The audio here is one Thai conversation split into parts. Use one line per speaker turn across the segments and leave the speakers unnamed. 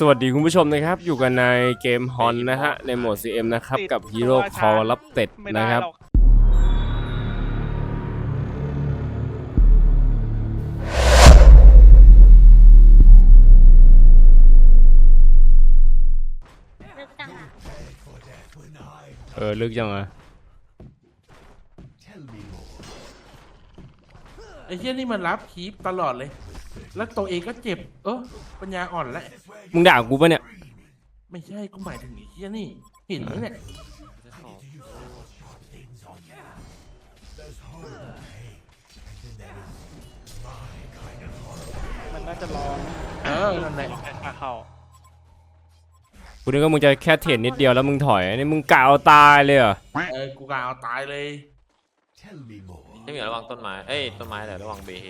สวัสดีคุณผู้ชมนะครับอยู่กันในเกมฮอนนะฮะในโหมด CM นะครับกับฮีโร่คอร์รับเต็ดนะครับลึกจังอ่ะ
ไอ้เหี้ยนี่มันรับคีปตลอดเลยแล้วตัวเองก็เจ็บปัญญาอ่อนแล้ว
มึงด่ากูปะเนี่ย
ไม่ใช่กูหมายถึงไอ้เหี้ยนี่เห็นไหมเนี่ย
มันน่าจะรอ
นั่นแหละ
เข้า
กูนึกว่ามึงจะแค่เทรดนิดเดียวแล้วมึงถอยนี่มึงกะเอาตายเลยเหรอ
กูกะเอาตายเลย
ไม่มีระวังต้นไม้ต้นไม้แต่ระวังเบเฮ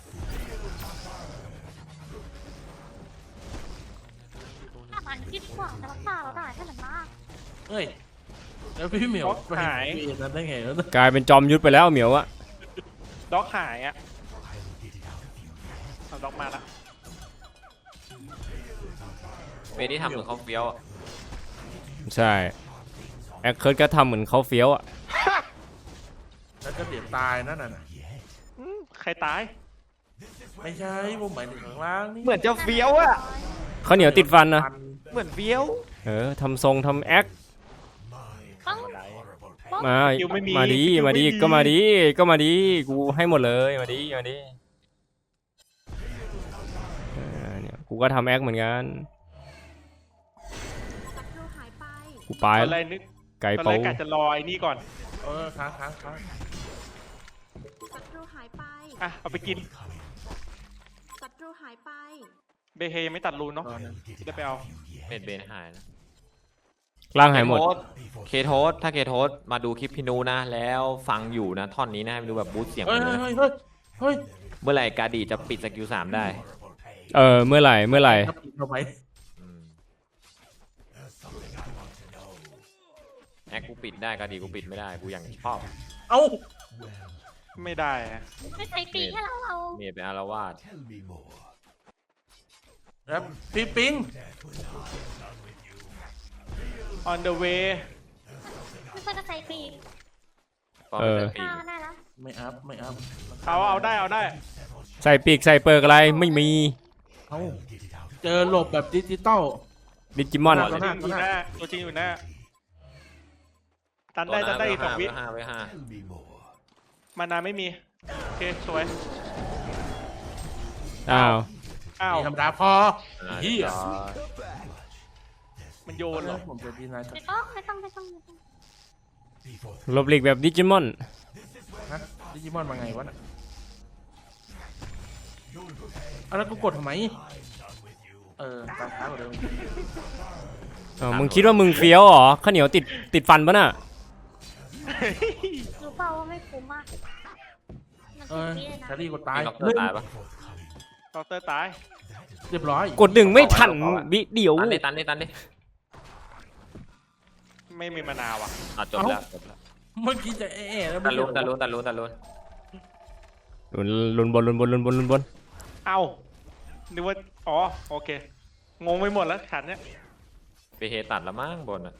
มันคิดกว่าจะรักษาเราได้แค่ไหนมาก
แล้วพี่เหมียวหายนั่นได้ไง
กลายเป็นจอมยุทธไปแล้วเหมียวอะ
ด็อกหายอะเอาด็อกมาละ
เบที่ทำเหมือนเขาเฟี้ยว
ใช่แอคเคิร์ดก็ทำเหมือนเขาเฟี้ยวอะ
แล้วก็เดี๋ยวตายนั่นน่ะ
ใครตาย
ไม่ใช่ผมหมายถึงข้างล่างนี่
เหมือนจะเฟี้ยวอะ
เขาเหนียวติดฟันนะ
เหมือนเฟี้ยว
ทำทรงทำแอคมาดีก็มาดีกูให้หมดเลยมาดีเนี่ยกูก็ทำแอคเหมือนกันกูไป
อะไรนึก
ไก่
เป้ากะจะลอยนี่ก่อน
ค้าง
อ่ะเอาไปกิน
ศัตรูหายไป
เบเฮยังไม่ตัดรูนเนาะได้ไปเอา
เบนหายนะ
ร่างหายหมด
เคโทสถ้าเคโทสมาดูคลิปพี่นูนะแล้วฟังอยู่นะท่อนนี้นะดูแบบบูสเสียงเลยเมื่อไหร่กาดีจะปิดสกิล3ได้
เมื่อไหร่
แอคกูปิดได้กาดีกูปิดไม่ได้กูยังชอบ
ไม่ได้
ไม่ใช่ปีแค่เรา
เมียเป็นอารวาส
ครับพี่ปิง
on the way
ไม่ใช่กระใส่ปีได้แล้ว
ไม่อัพ
เอาได้
ใส่ปีกใส่เปิร์กอะไรไม่มี
เจอหลบแบบดิจิ
มอน
ตัวจริงอยู่หน้าตันได้อีก2 วิมานาไม่มีโอเคสวย
อ้าว
ธรรมดาพอ
มันโยนเหรอ
ผมจะดีนะ
ไม่ต้อง
ลบหลีกแบบดิจิมอน
มาไงวะน่ะแล้วกูกดทำไมตามท้ากว่าเดิม
มึงคิดว่ามึงเฟี้ยวเหรอข้าวเหนียวติดฟันปะน่ะ
รู้เปล่าว่าไม่คุ้มมาก
แครี่กดตาย
ด็อกเตอร์ตายปะ
ด็อกเตอร์ตาย
เรียบร้อย
กดดึงไม่ทันบิเดี๋ยว
ตันดิ
ไม่มีมานาวะ
จบแล้ว
เมื่อกี้จะแล้ว
ตันลุ้น
บน
เอ้านึกว่าโอเคงงไปหมดแล้วขันเนี้ย
ไปเฮตัดละมั้งบนอ่ะ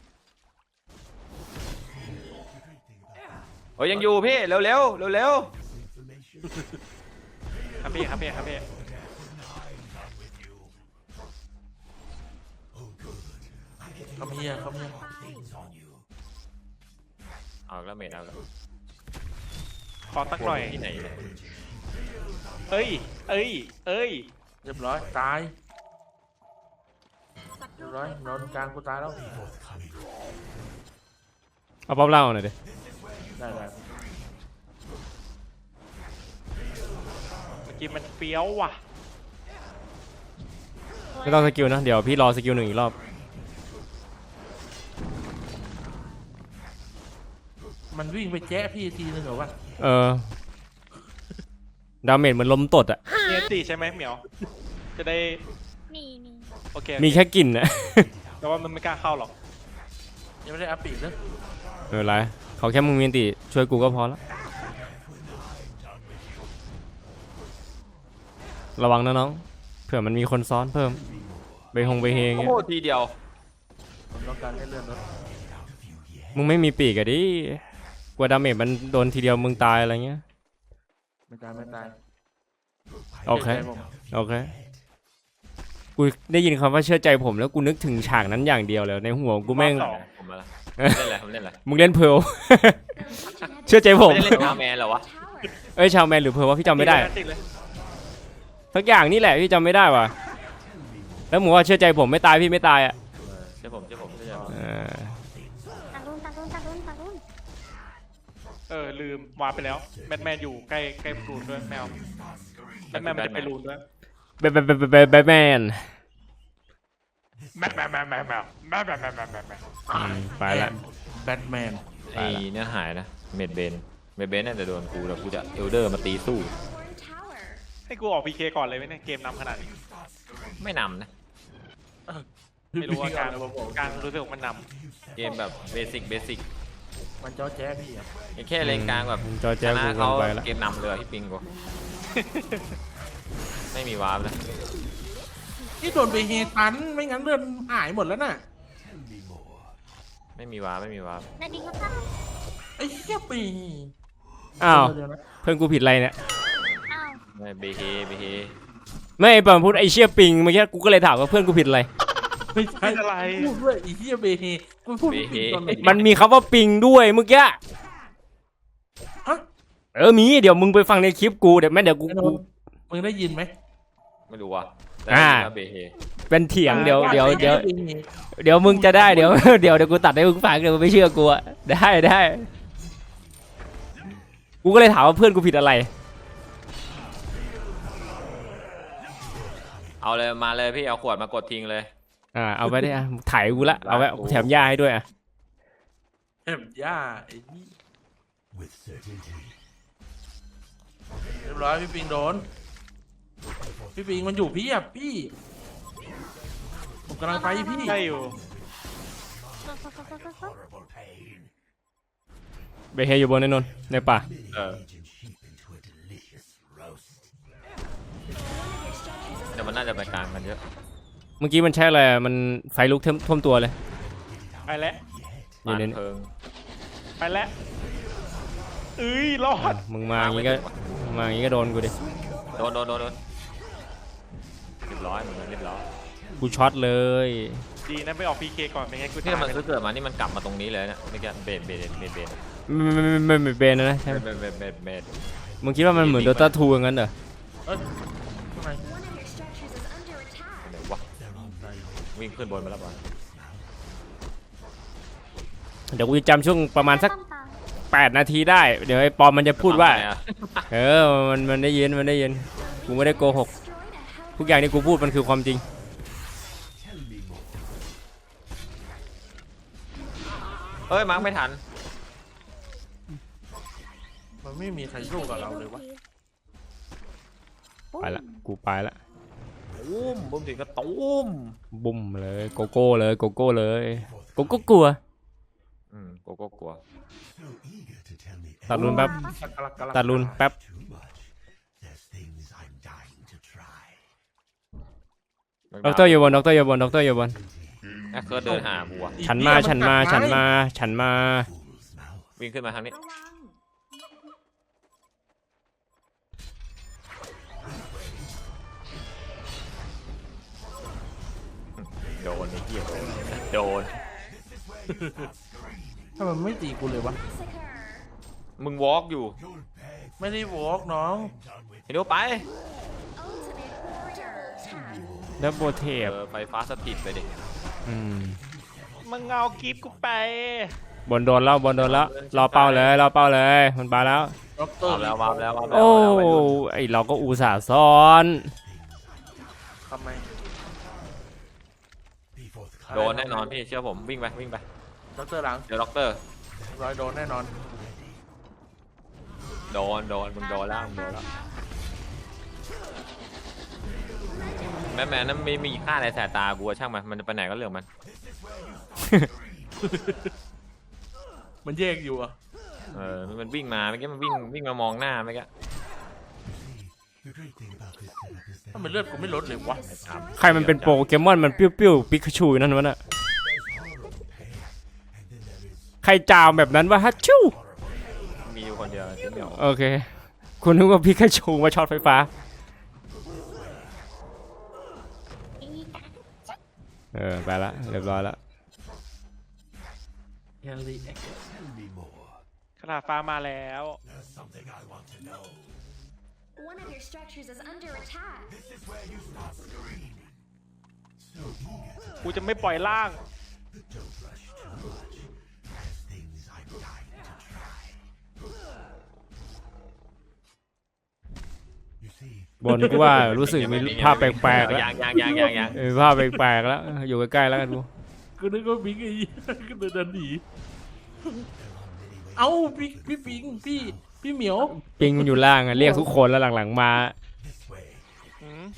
ยังอยู่พี่เร็ว
ครับพี่
เขามี
เอาแล้วเมทเอาแล้ว
ขอตักหน่อย
ที่ไหน
เอ้ย
เรียบร้อยตายเรียบร้อยนอนกลางกูตายแล้ว
เอาป๊อปเล่าหน่อยดิ
ได้
เมื่อกี้มันเฟี้ยวว่ะ
ไม่ต้องสกิลนะเดี๋ยวพี่รอสกิล1อีกรอบ
มันวิ่งไปแจ๊ะพี่ทีนึงเหรอวะ
ดาเมจเหมือนลมตดอ่ะ
เนี่ยตีใช่ไหมเหมียวจะได้
มี
โอเค
มีแค่กลิ่นนะ
แต่ว่ามันไม่กล้าเข้าหรอก
ยังไม่ได้อัพปีกเลย
ไรเขาแค่มึงมีตีช่วยกูก็พอแล้วระวังนะน้องเผื่อมันมีคนซ้อนเพิ่มไปฮงไปเฮง
โอ้
เงี้ย
โหทีเดียว
ผมต้องการให้เลื่อนรถ
มึงไม่มีปีกอะดิกลัวดาเมจมันโดนทีเดียวมึงตายอะไรเงี้ย
ไม่ตายไม่ตาย
โอเค
ชื่ใจผม
โอเคกูได้ยินคำว่าเชื่อใจผมแล้วกูนึกถึงฉากนั้นอย่างเดียวเลยในหัวกูแม่ง
ผมมาละเล่นอะไรผมเล่นอะไร
มึงเล่นเพร์ล เชื่อใจผม
ไม่ได้เล่นชาวแมนเหรอวะ
เอ้ยชาวแมนหรือเพร์ลวะพี่จำไม่ได้
ติดเลย
สักอย่างนี่แหละพี่จำไม่ได้ว่ะแล้วมึงว่าเชื่อใจผมไม่ตายพี่ไม่ตายอ่ะ
เชื่อผมเชื่อผมเชื่อผม
เออ
ตาลุนตาลุนตาลุนตาลุน
ลืมวาร์ปไปแล้วแบทแมนอยู่ใกล้รูนด้วยแมวแบทแมนมันจะไปรูนด้วย
แบทแมน
แมว
ไปละ
แบทแมน
ไอ้เนี่ยหายนะเมดเบนน่าจะโดนกูแล้วกูจะเอลเดอร์มาตีสู้
ให้กูออกพีเคก่อนเลยไหมเนี่ยเกมนำขนาดนี้
ไม่นำนะ
ไม่รู้ว่าการรู้สึกว่ามันน
เกมแบบเบสิก
มันจ้อแจ๊พี่อะ
แค่เลนกลางแบบ
จอ
ช
แจ๊บ
นะ
กูเกิ
เขา
นไปละ
เกมนำเลยพี่ปิงกูไม่มีวาร์ปนะ
นี่โดนไปเฮตันไม่งั้นเลื่อนหายหมดแล้วน่ะ
ไม่มีวาร์ป
นาดีก็เข้า
ไอ้เหี้ยปี
อ้าว
เดี๋ยวนะ
เพื่อนกูผิดอะไรเนี่ย
อ้าว
ไม่เบเฮ
ไม่ไอ้ปอนพูดไอเชี่ยปิงเมื่อกี้กูก็เลยถามว่าเพื่อนกูผิดอะไร
ไม่ใช่
ำอะไร
พูดด้วยไอ้เหี้ยเบเฮกูพูดไม่ผิดตอนไหน
มันมีคำว่าปิงด้วยเมื่อกี้
ฮะ
มีเดี๋ยวมึงไปฟังในคลิปกูเดี๋ยวแม่เดี๋ยวกู
ไอ้โดนมึงได้ยินไหม
ไม่รู้ว่ะแต่
อ่า
เบเฮ
เป็นเถียงเดี๋ยว
ว่า
เดี๋ยว
ไอ้
เดี๋ยว
หี้เบเฮ
เดี๋ยวมึงจะได้เดี๋ยว เดี๋ยวกูตัดให้มึงฟังเดี๋ยวมึงไม่เชื่อกูอะได้กูก็เลยถามว่าเพื่อนกูผิดอะไร
เอาเลยมาเลยพี่เอาขวดมากดทิ้งเลย
เอาไปได้อะถ่ายกูละเอาไว้แถมยาให้ด้วยอะ
แอบย่าไอ้นี่เรียบร้อยพี่ปิงโดนพี่ปิงมันอยู่พี่อ่ะพี่ผมกำลังไปพี่
ใช่อยู่
เบเฮอยู่บนในนนท์ในป่า
แต่มันน่าจะไปกลางกันเยอะ
เมื่อกี้มันใช่อะไรอะมันไฟลุกท่วมตัวเลย
ไปแล้ว
นี่
บ้าน
นี่
เพิง
ไปแล้วรอด
มึงมาอย่างงี้ก็โดนกูดิ
โดนเรียบร้อยเหมือนกันเรียบร้อย
กูช็อตเลย
ดีนะไปออกพีเคก่อนไม่งั้นกู
นี่
ตาย
มันซื้อเกิดมานี่มันกลับมาตรงนี้เลยเนี่ยไม่แกเบน
ไม่เบนนะใช่ไหม
เบน
มึงคิดว่ามันเหมือนโดตาทูอย่างนั้นเหรอ
เอ้ยทำไม
เดี๋ยววะวิ่งขึ้นบนมาแล้วบอล
เดี๋ยวกูจะจำช่วงประมาณสัก
ต้นตา
8 นาทีได้ เดี๋ยวไอ้ปอมมันจะพูดว่า มันได้ยินกูไม่ได้โกหกทุกอย่างที่กูพูดมันคือความจริง
เอ้ยมาร์กไม่ทัน
มันไม่มีใครสู้กับเราเลยวะ
ไปละกูไปละ
ตุ้มบุ้มถึงก็ตุ้ม
บุ้มเลยโกโก้เลยโกโก้กลัว
โกโก้กลัว
ตัดรุนแป๊บ ตัดรุนแป๊บ ด็อกเตอร์อยู่บนด็อกเตอร์อยู่บน
แอคเคิร์ดเดินหาบัว
ฉันมา
วิ่งขึ้นมาทางนี้โดนไอ้เหี้ยโดน
ถ้ามันไม่ตีกูเลยวะ
มึงวอล์กอยู่
ไม่ได้วอล์กน้อง
เห็นดูไป
ดับโบเทป
ไฟฟ้าสถิตไปดิ
มึงเอากิฟต์กูไป
บนโดนแล้วรอเป้าเลยมันไปแล้ว
ด็อกเตอร์
วาร์ปแล้ว
โอ้ไอเราก็อุตส่าห์ซ้อน
ทำไม
โดนแน่นอนพี่เชื่อผมวิ่งไป
ด็อกเตอร์หลัง
เดี๋ยวด็อกเตอร์
รอยโดนแน่นอน
โดนมึงโดนแล้วแม่นั้นไม่มีค่าในสายตากูช่างมันจะไปไหนก็เรื่องมัน
มันแยกอยู่อ่ะ
มันวิ่งมาเมื่อกี้มันวิ่งมามองหน้าเมื่อกี้
ทำไมเลือดกูไม่ลดเลยวะ
ใครมันเป็นโปเกมอนมันปิ้วๆปิกาชูนั่นวะน่ะใครจามแบบนั้นวะฮัชชู
มีอยู่คนเดียวที่เหมียว
โอเคคุณนึกว่าปิกาชูมาช็อตไฟฟ้าไปละเรียบร้อยละ
แฮร์รี่
ขนาดฟ้ามาแล้ว
One of your structures is under attack.
กูจะไม่ปล่อยล่าง
บนกูว่ารู้สึกมีภาพแปลกๆแล้ว
ยัง
ภาพแปลกๆแล้วอยู่ใกล้ๆแล้วกันกู
กูนึกว่าปิงไอ้ก็เดินหนีเอ้าพี่ปิงพี่เหมียว
ปิงมันอยู่ล่างอะเรียกทุกคนแล้วหลังๆมา
อืม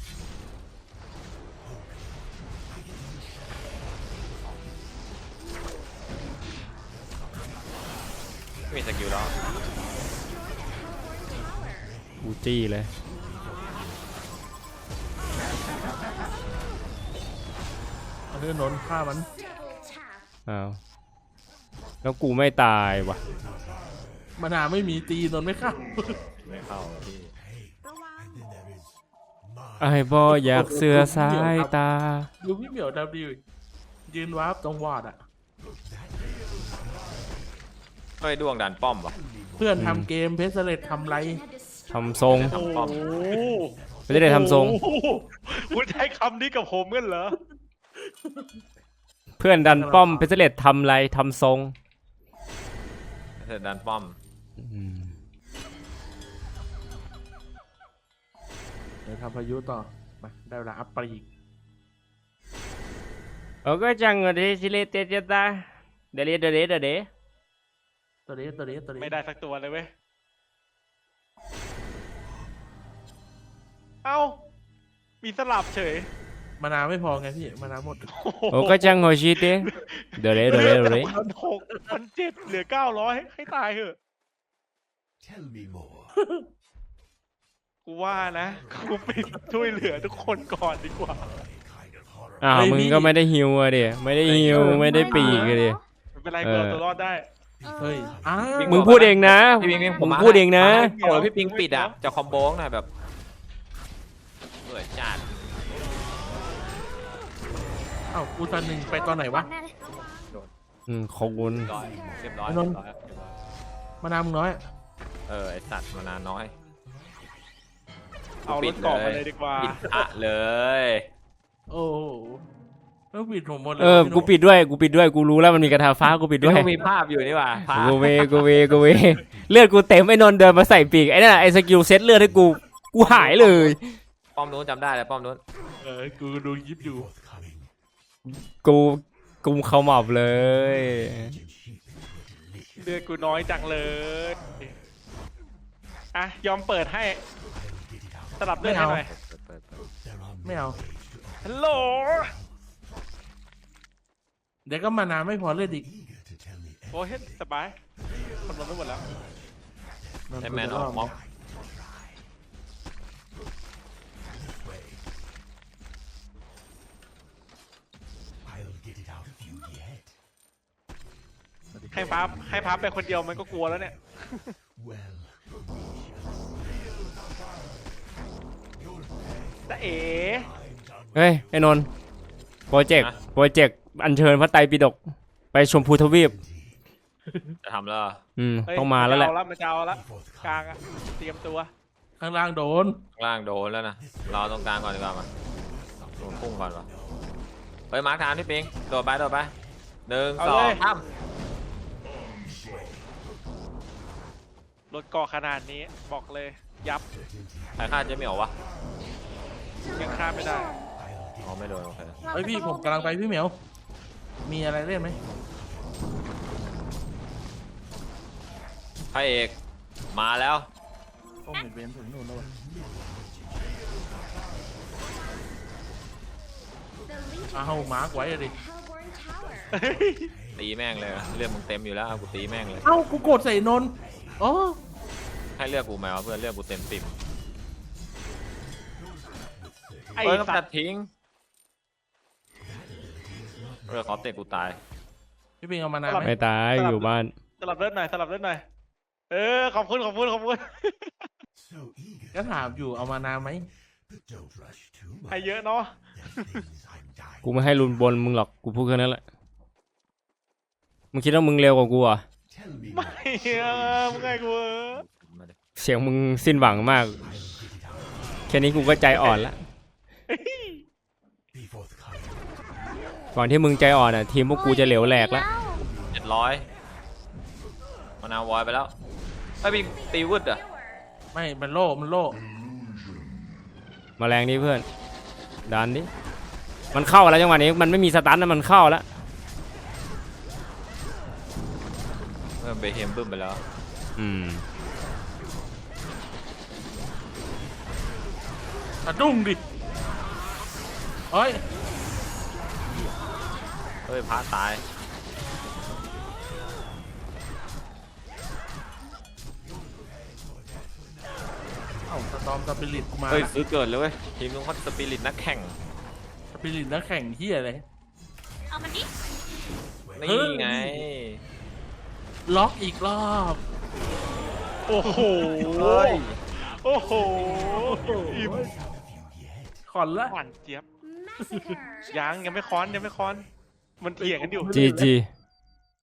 มีสกิลแล้ว
บูจี้เลย
เอาเดินนนฆ่ามัน
Double tap.
อ้าวแล้วกูไม่ตายวะ
มานาวไม่มีตีนนไม่เข้า
ไม่เข้าพี่
ไอ้บออยากเสือสายตา
ดูพี่เหมียวดาวดิวยืนวาร์ปตรงวอร์ดอ่ะ
เฮ้ยดวงดันป้อมวะ
เพื่อนทำเกมเพสเลตทำไร
ทำทรง
โอ้โห
ไม่ได้ทำทรง
โอ้โหคุณใช้คำนี้กับผมกันเหรอ
เพื่อนดันป้อมเพชรเลตทำไรทำทรง
เธอดันป้อม
เดี๋ยวทำพายุต่อมาได้เวลาอัพปรีก
โอ้ก็จังเลยสิเลเตเจตาเดเด
ตัวนี้
ไม่ได้สักตัวเลยเว้ย เอ้า มีสลับเฉย
มานาวไม่พอไงพี่มานาวหมด
โอ้ก็จังโฮชิเตเดเด
1,600 เหลือ 900 ให้ตายเถอะ กูว่านะ กูไปช่วยเหลือทุกคนก่อนดีกว่า
อ้าวมึงก็ไม่ได้ฮิวอะดิไม่ได้ฮิวไม่ได้ปีกอะดิ
ไม่เป็นไรกูเอาตัวรอดได้
เฮ้ยอ้าว
มึงพูดเองนะ
พี่ปิง
มึงพูดเองนะ
โอ้ยพี่ปิงปิดอ่ะจะคอมโบงหน่อยแบบเหนื่อยจัด
เอ้ากูตอนหนึ่งไปตอนไหนวะ
แน่เลย
ขอบคุณ
เรียบร้อย
นนท์ มานาวมึงน้อย
ไอสัตว์มานานน้อย
เอารถเกาะมาเลยดีกว่า
ปิดอะเลย
โอ้โหแล้วปิดผมหมดเลย
กูปิดด้วยกูรู้แล้วมันมีกระทาฟ้ากูปิดด้วย
มีภาพอยู่นี่หว่าภาพ
กูเวเลือดกูเต็มไอ้นนท์เดินมาใส่ปีกไอ้นั่นไอ้สกิลเซ็ตเลือดให้กูหายเลย
ป้อมนู้นจำได้เลยป้อมนู้น
กูดูยิบอยู่
กูเข้าหมอบเลย
เลือดกูน้อยจังเลย อ่ะ ยอมเปิดให้ สลับเลือดให้หน่อย
ไม่เอา
ฮัลโหล
เดี๋ยวก็มานาวไม่พอเลือดอีก
โอ้ยสบายคนรวมไปหมดแล้ว
ไอแมนออกม็อก
ให้พับไปคนเดียวมันก็กลัวแล้วเนี่ย แต่เอ๋
เฮ้ยไอ้นนท์โปรเจกต์อัญเชิญพระไตรปิฎกไปชมพูทวีป
จะทำแล้ว
เฮ้ย
ต้องมาแล้วแหละ
มันจะเอาละกลางอะเตรียมตัว
ข้างล่างโดน
ข้างล่างโดนแล้วนะเราตรงกลางก่อนดีกว่ามาโดนพุ่งก่อนวะเฮ้ยมาร์คทางพี่ปิงโดดไป1 2 3
รถเกาะขนาดนี้บอกเลย ยับ
ใครฆ่าเจ๊เหมียววะ
ยังฆ่าไม่ได้
อ๋อไม่โดนโอเค
เฮ้ยพี่ผมกำลังไปพี่เหมียว มีอะไรเล่นไหม
พระเอกมาแล้ว
โอ้เห็นเวนถึงนู่นแล้ววะ
The Legion
อ้าวมาร์กไว้อะดิ
Hellborn Tower.
ตีแม่งเลยเลือดมึงเต็มอยู่แล้วเอากูตีแม่งเลย
เอ้ากูกดใส่นนท์อ๋อ
ให้เลือกกูไหมวะเพื่อนเลือกกูเต็ม10
ไอ้
เอ้ย
สั
ตั
ต
ด
ว์
ทิ้งขอเตะกูตาย
พี่ปิงเอามานานไหม
ไม่ตายอยู่บ้าน
สลับเลือดหน่อยสลับเลือดหน่อยขอบคุณขอบคุณขอบคุณ
ก็ถามอยู่เอามานานไหม
ให้เยอะเนาะ
กูไม่ให้รุนบนมึงหรอกกูพูดแค่นั้นแหละมึงคิดว่ามึงเร็วกว่ากูเหรอ่ะ
ไม่มึงไงกู
เสียงมึงสิ้นหวังมากแค่นี้กูก็ใจอ่อนละก่อนที่มึงใจอ่อนอ่ะทีมพวกกูจะเหลวแหลกแล้ว
700มานาววอยไปแล้วไอ้บิงตีวืดอ่ะ
ไม่มันโล่มันโล่
มาแรงนี้เพื่อนดันดิมันเข้าแล้วจังหวะนี้มันไม่มีสตันนะมันเข้าแล้ว
เบเฮมบึ้มไปแล้ว
สะดุ้งดิเฮ้ย
เฮ้ยพระตาย
เอ้าสตอมสปิริตมา
เฮ้ยซื้อเกิดเลยเว้ยทีมลุงเขาสปิริตนักแข่ง
สปิริตนักแข่งที่อะไร
เอามันดิ
นี่ไง
ล็อกอีกรอบ
โอ้โห
เฮ้ย
โอ้โหอิ่ม
ขอนละ
หวานเจี๊ยบ
Massacre.
ยังไม่ค้อนมันเถียงกันอยู่
GG